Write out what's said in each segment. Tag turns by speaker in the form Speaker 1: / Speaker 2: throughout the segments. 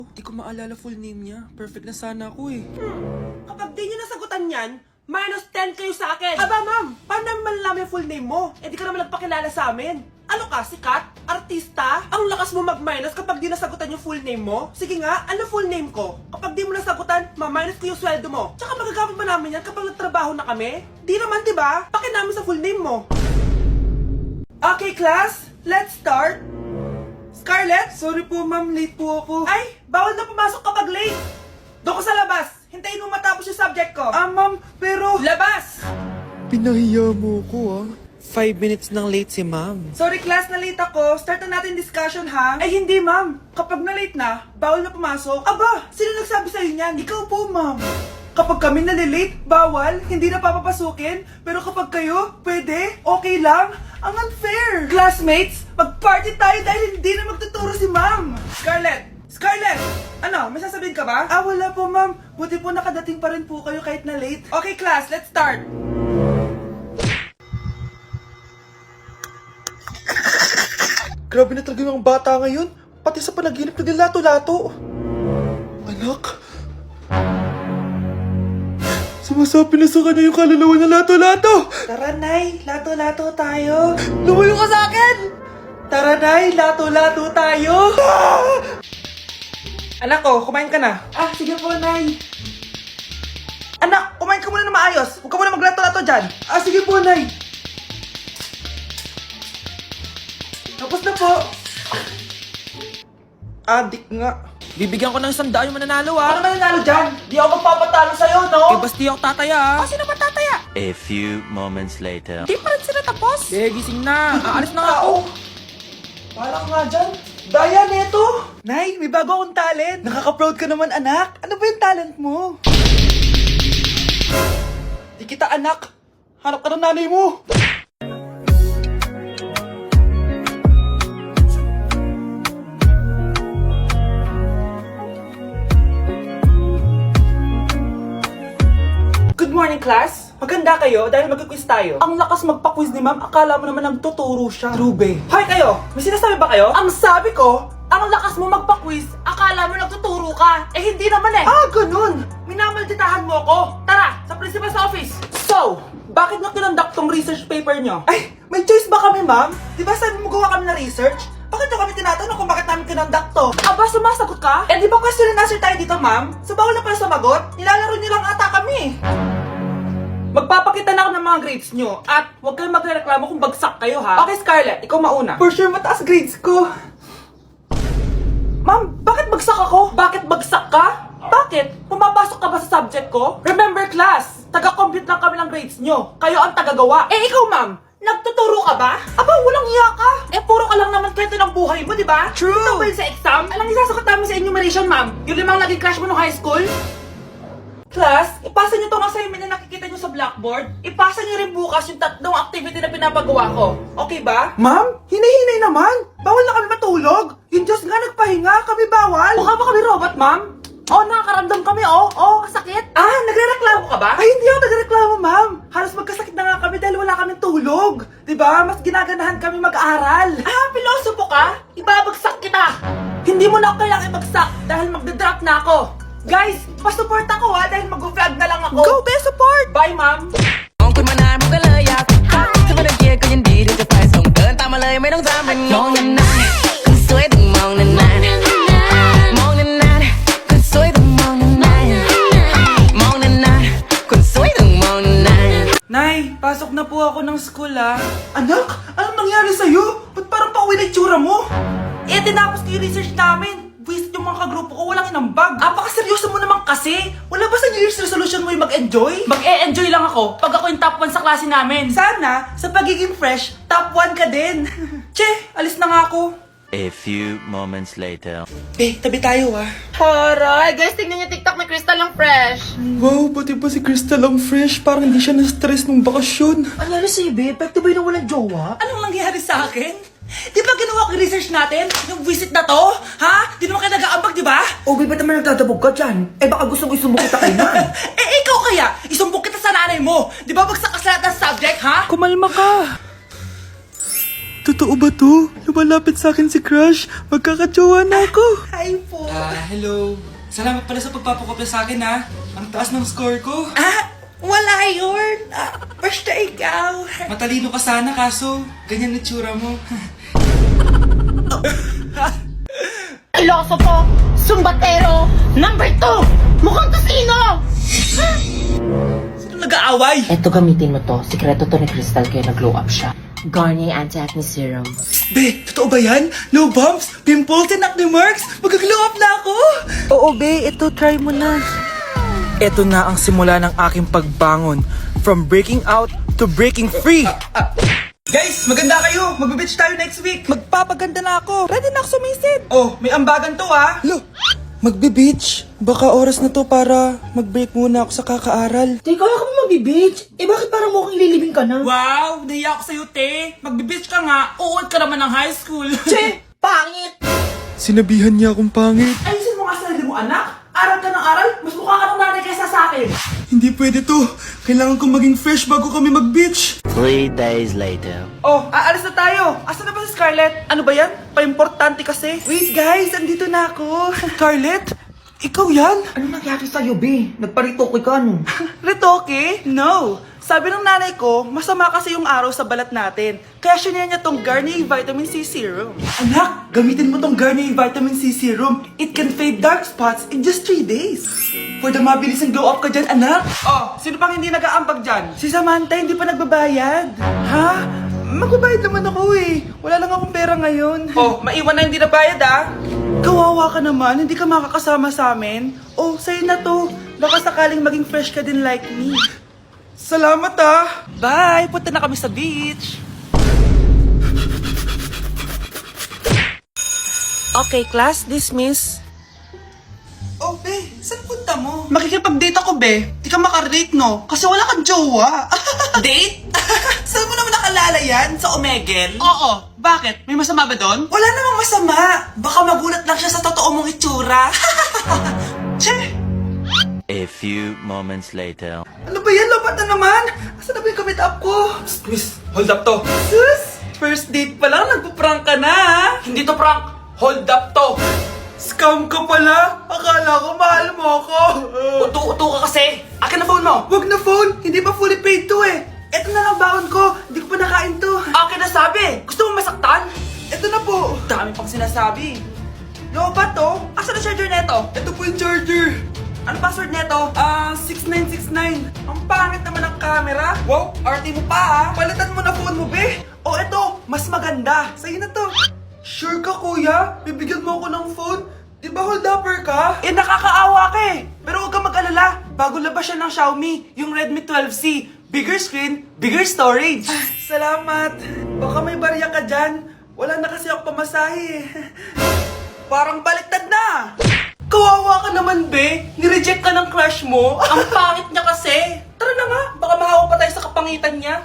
Speaker 1: Di ko maalala full name niya. Perfect na sana ako eh.
Speaker 2: Kapag di nyo nasagutan yan, minus 10 kayo sa akin. Aba ma'am, paano namin malalaman yung full name mo? Eh di ka naman nagpakilala sa amin. Ano ka, sikat? Artista? Ang lakas mo mag-minus kapag di nasagutan yung full name mo? Sige nga, ano full name ko? Kapag di mo nasagutan, ma-minus ko yung sweldo mo. Tsaka magagamit ba namin yan kapag nagtrabaho na kami? Di naman diba? Pakin namin sa full name mo. Okay class, let's start. Scarlett?
Speaker 1: Sorry po ma'am, late po ako.
Speaker 2: Ay, bawal na pumasok kapag late. Doon ko sa labas. Hintayin mo matapos yung subject ko.
Speaker 1: Ma'am, pero...
Speaker 2: Labas!
Speaker 1: Pinahiya mo ko 5 minutes nang late si ma'am.
Speaker 2: Sorry class, na late ako. Start na natin discussion ha? Ay hindi ma'am. Kapag na late na, bawal na pumasok. Aba, sino nagsabi sa'yo niyan? Ikaw po ma'am. Kapag kami nalilate, bawal, hindi na papapasukin. Pero kapag kayo, pwede, okay lang. Ang unfair. Classmates, mag-party tayo dahil hindi na magtuturo si ma'am. Scarlett! Scarlett! Ano, may sasabihin ka ba? Wala po ma'am. Buti po nakadating pa rin po kayo kahit na late. Okay class, let's start.
Speaker 1: Grabe na talaga yung bata ngayon. Pati sa panaginip naglato-lato. Anak. Sumasabi na sa kanya yung kaluluwa na lato-lato.
Speaker 2: Tara Nay, lato-lato tayo.
Speaker 1: Lumayo ka sa akin!
Speaker 2: Tara Nay, lato-lato tayo. Anak ko, kumain ka na. Sige po Nay. Anak, kumain ka muna na maayos. Huwag ka muna maglato-lato dyan. Sige po Nay. Tapos na po. Adik nga.
Speaker 1: Bibigyan ko ng 100 yung mananalo
Speaker 2: Ano mananalo dyan? Di ako magpapatalo sa'yo, no?
Speaker 1: Eh, basti ako tataya
Speaker 2: Sino ba tataya?
Speaker 3: A few moments later.
Speaker 2: Di pa rin sila tapos.
Speaker 1: Eh, gising na. Aalis na nga ako.
Speaker 2: Parang nga dyan. Daya neto. Nay, may bago akong talent. Nakaka-proud ka naman, anak. Ano ba yung talent mo? Di kita, anak. Hanap ka ng nanay mo. Good morning, class. Maganda kayo dahil mag-quiz tayo. Ang lakas magpa-quiz ni ma'am, akala mo naman nagtuturo siya. Trube. Hoy kayo, may sinasabi ba kayo? Ang sabi ko, ang lakas mo magpa-quiz, akala mo nagtuturo ka. Eh hindi naman eh. Ganun. Minamalditahan mo ako. Tara, sa principal's office. So, bakit nyo kinonduct tong research paper nyo? Ay, may choice ba kami, ma'am? Di ba sabi mo gawa kami na research? Bakit nyo kami tinatanong kung bakit namin kinonduct to? Aba, sumasagot ka? Eh di ba question and answer tayo dito, ma'am? So bawal na pala sumagot? Nilalaro nyo lang ata kami. Magpapakita na ako ng mga grades nyo at huwag kayong magreklamo kung bagsak kayo ha. Okay Scarlett, ikaw mauna. For sure mataas grades ko. Ma'am, bakit bagsak ako? Bakit bagsak ka? Bakit? Pumapasok ka ba sa subject ko? Remember class, taga-compute lang kami ng grades nyo. Kayo ang tagagawa. Eh ikaw ma'am, nagtuturo ka ba? Aba, walang iya ka. Eh puro ka lang naman kwento ng buhay mo, di ba? True. Ito ba yun sa exam? Alang isasagot namin sa enumeration ma'am. Yung 5 naging crush mo nung high school? Class, ipasa nyo itong assignment na nakikita nyo sa blackboard. Ipasa nyo rin bukas yung 3 activity na pinapagawa ko. Okay ba? Ma'am, hinay-hinay naman. Bawal na kami matulog. Yung Diyos nga nagpahinga, kami bawal. Mukha ba kami robot, ma'am? Nakakaramdam kami, kasakit. Nagrereklamo ka ba? Ay, hindi ako nagrereklamo, ma'am. Halos magkasakit na nga kami dahil wala kaming tulog. Diba? Mas ginaganahan kami mag-aral. Pilosopo ka? Ibabagsak kita. Hindi mo na ako kailangan ibagsak dahil magdadrop na ako. Guys, pa-support ako dahil mag-vlog na lang ako. Go, be support! Bye, ma'am!
Speaker 4: มองคุณมานานมันก็เลยอยากจะไม่ต้องเกียร์ก็ยินดีที่จะไปส่งเดินตามมาเลยไม่ต้องตามเป็นมองนานๆคนสวยต้องมองนานๆมองนานๆคนสวยต้องมองนานๆมองนานๆคนสวยต้องมองนานๆ
Speaker 2: Nay, pasok na po ako ng school Anak, anong nangyari sa'yo? Ba't parang pauwi na itsura mo? Tinapos ko yung research namin. Visit yung mga kagrupo ko, walang inambag. Seryoso mo naman kasi. Wala ba sa New Year's resolution mo yung mag-enjoy? Mag-e-enjoy lang ako pag ako yung top 1 sa klase namin. Sana, sa pagiging fresh, top 1 ka din. Che, alis na nga ako.
Speaker 3: A few moments later.
Speaker 2: Tabi tayo
Speaker 5: Horay! Guys, tingnan niyo TikTok ni Crystal ang fresh.
Speaker 1: Wow, pati ba si Crystal ang fresh? Parang hindi siya na-stress nung bakasyon.
Speaker 2: Ano si Ibe? Pwede ba yung walang jowa? Anong nangyari sa akin? Di ba ginawa ko yung research natin? Yung visit na to? Ha? Di naman kayo nag-aambag, di ba?
Speaker 6: Ba't naman nagtatabog ka dyan? Baka gusto mo isumbok kita kay Nan.
Speaker 2: Ikaw kaya? Isumbok kita sa nanay mo. Di ba bagsak ka sa lahat ng subject, ha?
Speaker 1: Kumalma ka. Totoo ba to? Lumalapit sa akin si Crush. Magkakajowa na ako.
Speaker 2: Hi po.
Speaker 1: Hello. Salamat pala sa pagpapakopya sa akin ha. Ang taas ng score ko.
Speaker 2: Wala yun. Basta ikaw.
Speaker 1: Matalino ka sana kaso ganyan na tsura mo.
Speaker 5: Ilosopo, Sumbatero, number 2, mukhang kasino!
Speaker 2: Sino nag-aaway?
Speaker 7: Eto, gamitin mo to. Sikreto to ni Crystal kaya nag-glow up siya. Garnier Anti-Acne Serum.
Speaker 1: Be, totoo ba yan? No bumps, pimples, and acne marks? Mag-glow up na ako!
Speaker 2: Oo, be. Ito, try mo na. Ito na ang simula ng aking pagbangon. From breaking out to breaking free.
Speaker 1: Guys, maganda kayo! Magbe-beach tayo next week!
Speaker 2: Magpapaganda na ako. Ready na ako sumisid. Oh, may ambagan to ha.
Speaker 1: Lo, magbe-beach? Baka oras na to para mag-break muna ako sa kakaaral.
Speaker 6: Teka, kaya ka ba magbe-beach? Eh bakit parang mukhang lilibing ka na?
Speaker 2: Wow, nahiya ako sa'yo, te. Magbe-beach ka nga. Uod ka naman ng high school.
Speaker 6: Che, pangit!
Speaker 1: Sinabihan niya akong pangit.
Speaker 2: Ayusin mo nga sarili mo, anak. Aral ka ng aral. Mas mukha ka ng nanay kaysa sa akin.
Speaker 1: Hindi pwede to. Kailangan kong maging fresh bago kami mag-beach.
Speaker 3: 3 days later.
Speaker 2: Oh, aalis na tayo. Asan na ba si Scarlett? Ano ba yan? Pa-importante kasi. Wait guys, andito na ako. Scarlett? Ikaw yan?
Speaker 6: Ano nangyari sa'yo, be? Nagparitoke ka, no?
Speaker 2: Retoke? No. Sabi ng nanay ko, masama kasi yung araw sa balat natin. Kaya sinaya niya tong Garnier Vitamin C Serum. Anak, gamitin mo tong Garnier Vitamin C Serum. It can fade dark spots in just 3 days. For the mabilis and glow up ka dyan, anak. Oh, sino pang hindi nag-aambag dyan? Si Samantha hindi pa nagbabayad. Ha? Magbabayad naman ako eh. Wala lang akong pera ngayon. Oh, maiwan na hindi nabayad ah. Kawawa ka naman, hindi ka makakasama sa amin. Oh, sa'yo na to. Baka sakaling maging fresh ka din like me. Salamat ah! Bye! Punta na kami sa beach! Okay, class, dismiss. Oh, be, saan punta mo? Makikipag-date ako, be. Di ka makarelate, no? Kasi wala kang jowa. Date? Saan mo naman nakalala yan? Sa Omegle? Oo. Bakit? May masama ba doon? Wala namang masama. Baka magulat lang siya sa totoo mong itsura. Che!
Speaker 3: A few moments later.
Speaker 2: Ano ba yan? Lobat na naman! Asan na ba yung kamit up ko? Miss, hold up to. Sus! First date pa lang, nagpo-prank ka na ha? Hindi to prank, hold up to. Scam ka pala? Akala ko mahal mo ako. Uto-uto ka kasi. Akin na phone mo. Wag na phone, hindi pa fully paid to eh. Eto na lang baon ko, hindi ko pa nakain to. Akin na sabi, gusto mo masaktan? Eto na po. Dami pang sinasabi. Lobat to? Asan na charger neto? Ito po yung charger. Ano password neto? 6969. Ang pangit naman ng camera. Wow, RT mo pa ah. Palitan mo na phone mo, be. Oh, eto, mas maganda. Sa'yo na to. Sure ka, kuya? Bibigyan mo ako ng phone? Di ba hold upper ka? Eh, nakakaawa ka eh. Pero huwag kang mag-alala. Bago labas siya ng Xiaomi, yung Redmi 12C. Bigger screen, bigger storage. Salamat. Baka may barya ka dyan. Wala na kasi ako pamasahe eh. Parang baliktad na. Kawawa ka naman, be. Nireject ka ng crush mo. Ang pangit niya kasi. Tara na nga, baka mahawa pa tayo sa kapangitan niya.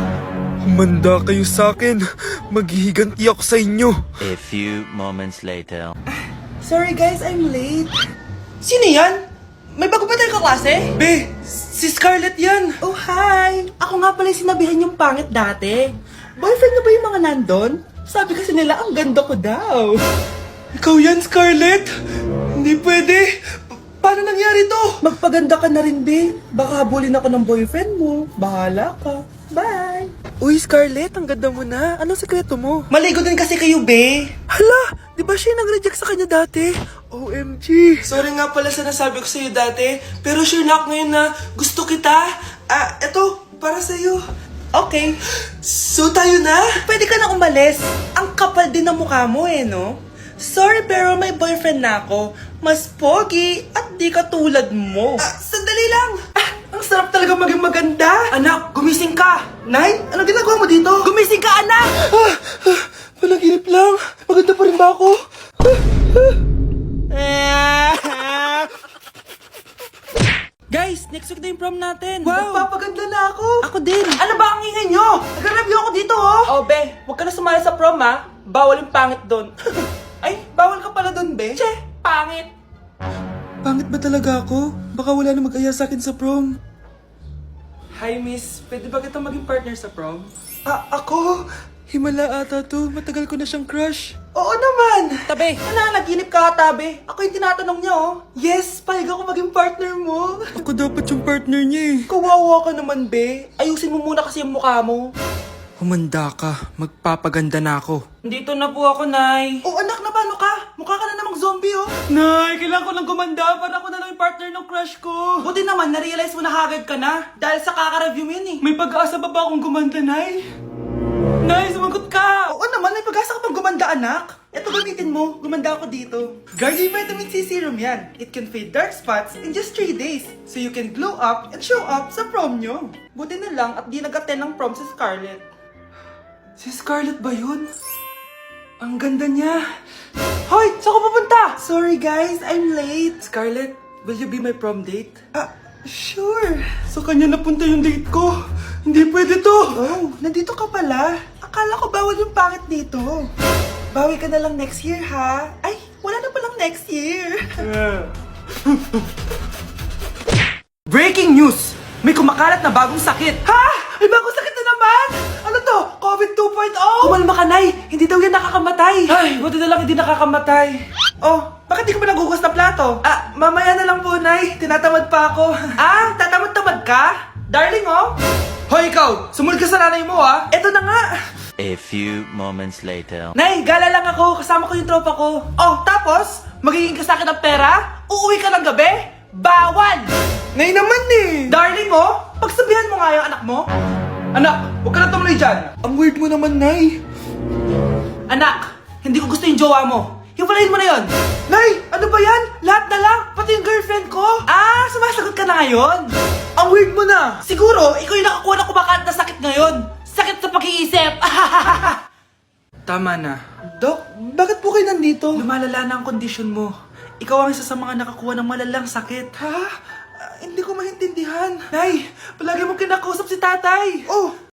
Speaker 1: Humanda kayo sa akin. Maghihiganti ako sa inyo.
Speaker 3: A few moments later.
Speaker 2: Sorry guys, I'm late. Sino yan? May bago ba tayo kaklase? Be, si Scarlett yan. Oh, hi. Ako nga pala yung sinabihan yung pangit dati. Boyfriend na ba yung mga nandun? Sabi kasi nila, ang ganda ko daw. Ikaw yan, Scarlett? Hindi pwede. Paano nangyari to? Magpaganda ka na rin, be. Baka habulin ako ng boyfriend mo. Bahala ka. Bye. Uy, Scarlett, ang ganda mo na. Anong sekreto mo? Maligo din kasi kayo, be. Hala, di ba siya nag-reject sa kanya dati? OMG. Sorry nga pala sa nasabi ko sa'yo dati. Pero sure na ako ngayon na gusto kita. Eto, para sa'yo. Okay. So tayo na? Pwede ka na umalis. Ang kapal din ng mukha mo eh, no? Sorry pero may boyfriend na ako. Mas pogi at di katulad mo. Sandali lang. Ang sarap talaga maging maganda. Anak, gumising ka. Nay, anong ginagawa mo dito? Gumising ka, anak! Panaginip lang. Maganda pa rin ba ako? Guys, next week na yung prom natin. Wow! Magpapaganda na ako. Ako din. Ano ba ang ingay nyo? Nag-review ako dito, oh. Oh, be, huwag ka na sumali sa prom, ha? Bawal yung pangit doon. Ay, bawal ka pala doon, be. Che, pangit. Pangit ba talaga ako? Baka wala na mag-aya sa akin sa prom. Hi, miss. Pwede ba kita maging partner sa prom? Ako?
Speaker 1: Himala ata to. Matagal ko na siyang crush.
Speaker 2: Oo naman! Tabi, nananaginip ka tabi. Ako yung tinatanong niya oh. Yes, payag ako maging partner mo.
Speaker 1: Ako dapat yung partner niya eh.
Speaker 2: Kawawa ka naman, be. Ayusin mo muna kasi yung mukha mo.
Speaker 1: Humanda ka. Magpapaganda na ako.
Speaker 2: Dito na po ako, Nay. Oh, anak, na paano ka? Mukha ka na namang zombie, oh.
Speaker 1: Nay, kailangan ko lang gumanda para ako na lang yung partner ng crush ko.
Speaker 2: Buti naman, na-realize mo na haggard ka na. Dahil sa kaka-review mo yun, eh.
Speaker 1: May pag-asa ba akong gumanda, Nay? Nay, sumagot ka!
Speaker 2: Oo naman, may pag-asa ka pang gumanda, anak. Ito gamitin mo, gumanda ako dito. Garnier Vitamin C Serum yan. It can fade dark spots in just 3 days. So you can glow up and show up sa prom nyo. Buti na lang at di nag-attend ng prom si Scarlett.
Speaker 1: Si Scarlett ba yun? Ang ganda niya.
Speaker 2: Hoy! Saan ka pupunta? Sorry guys, I'm late.
Speaker 1: Scarlett, will you be my prom date?
Speaker 2: Sure.
Speaker 1: Sa kanya napunta yung date ko. Hindi pwede to.
Speaker 2: Oh, nandito ka pala. Akala ko bawal yung pangit dito. Bawi ka na lang next year, ha? Ay, wala na palang next year. Breaking news! May kumakalat na bagong sakit. Ha? May bagong sakit na naman? Ano to? COVID 2.0? Kumalma ka, Nay. Hindi daw yan nakakamatay. Ay, buti na lang hindi nakakamatay. Oh, bakit di ka pa nagugas na plato? Mamaya na lang po, Nay. Tinatamad pa ako. Tatamad-tamad ka? Darling, oh. Hoy, ikaw! Sumunod ka sa nanay mo, ah. Eto na nga.
Speaker 3: A few moments later.
Speaker 2: Nay, gala lang ako. Kasama ko yung tropa ko. Oh, tapos? Magiging ka sa akin ng pera? Uuwi ka ng gabi? Bawal!
Speaker 1: Nay naman eh.
Speaker 2: Darling mo, pagsabihan mo nga yung anak mo. Anak, huwag ka na tumuloy dyan.
Speaker 1: Ang weird mo naman, Nay.
Speaker 2: Anak, hindi ko gusto yung jowa mo. Hiwalayin mo na yon. Nay, ano ba yan? Lahat na lang, pati yung girlfriend ko. Sumasagot ka na ngayon? Ang weird mo na. Siguro, ikaw yung nakakuha na kumakalat na sakit ngayon. Sakit sa pag-iisip.
Speaker 1: Tama na.
Speaker 2: Dok, bakit po kayo nandito? Lumalala na ang kondisyon mo. Ikaw ang isa sa mga nakakuha ng malalang sakit. Ha? Hindi ko maintindihan. Nay, palagi mo kinakausap si tatay. Oh,